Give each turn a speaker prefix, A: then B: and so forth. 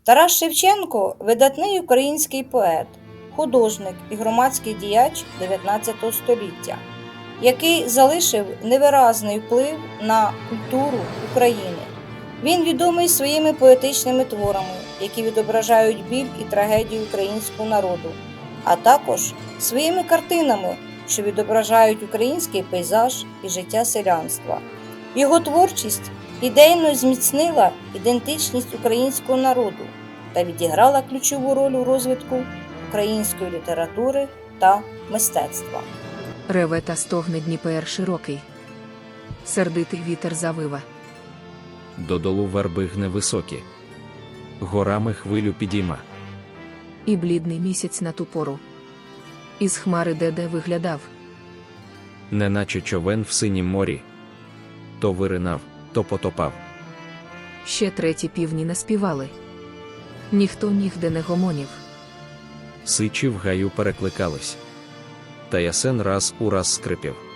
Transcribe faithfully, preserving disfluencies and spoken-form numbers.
A: Тарас Шевченко – видатний український поет, художник і громадський діяч дев'ятнадцятого століття, який залишив невиразний вплив на культуру України. Він відомий своїми поетичними творами, які відображають біль і трагедію українського народу, а також своїми картинами, що відображають український пейзаж і життя селянства. Його творчість ідейно зміцнила ідентичність українського народу та відіграла ключову роль у розвитку української літератури та мистецтва.
B: Реве та стогне Дніпер широкий. Сердитий вітер завива.
C: Додолу верби гне високі. Горами хвилю підійма.
B: І блідний місяць на ту пору із хмари де-де виглядав.
C: Неначе човен в синім морі. То виринав, то потопав.
B: Ще треті півні наспівали. Ніхто нігде не гомонів.
C: Сичі в гаю перекликались. Та ясен раз у раз скрипів.